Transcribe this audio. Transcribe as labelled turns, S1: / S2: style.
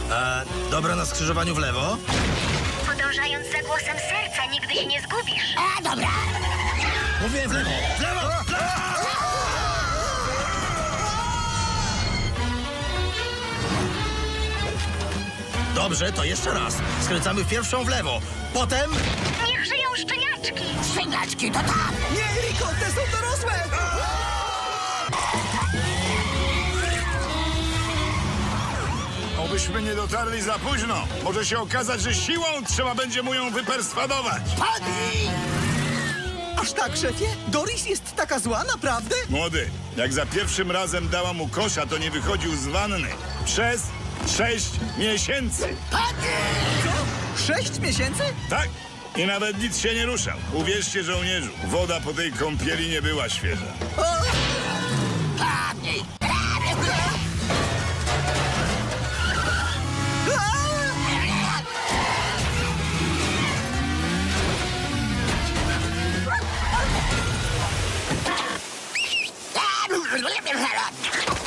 S1: Dobra na skrzyżowaniu w lewo?
S2: Podążając za głosem serca, nigdy się nie zgubisz.
S3: Dobra.
S1: Mówię w lewo! W lewo! W lewo! Dobrze, to jeszcze raz. Skręcamy pierwszą w lewo. Potem...
S2: Niech żyją szczeniaczki!
S3: Szczeniaczki to tam.
S4: Nie, Rico, te są dorosłe!
S5: Obyśmy nie dotarli za późno. Może się okazać, że siłą trzeba będzie mu ją wyperswadować.
S3: Padnij!
S4: Aż tak, szefie? Doris jest taka zła, naprawdę?
S5: Młody, jak za pierwszym razem dała mu kosza, to nie wychodził z wanny. Przez 6 miesięcy.
S4: Co? 6 miesięcy?
S5: Tak? I nawet nic się nie ruszał. Uwierzcie, żołnierzu, woda po tej kąpieli nie była świeża.
S4: O,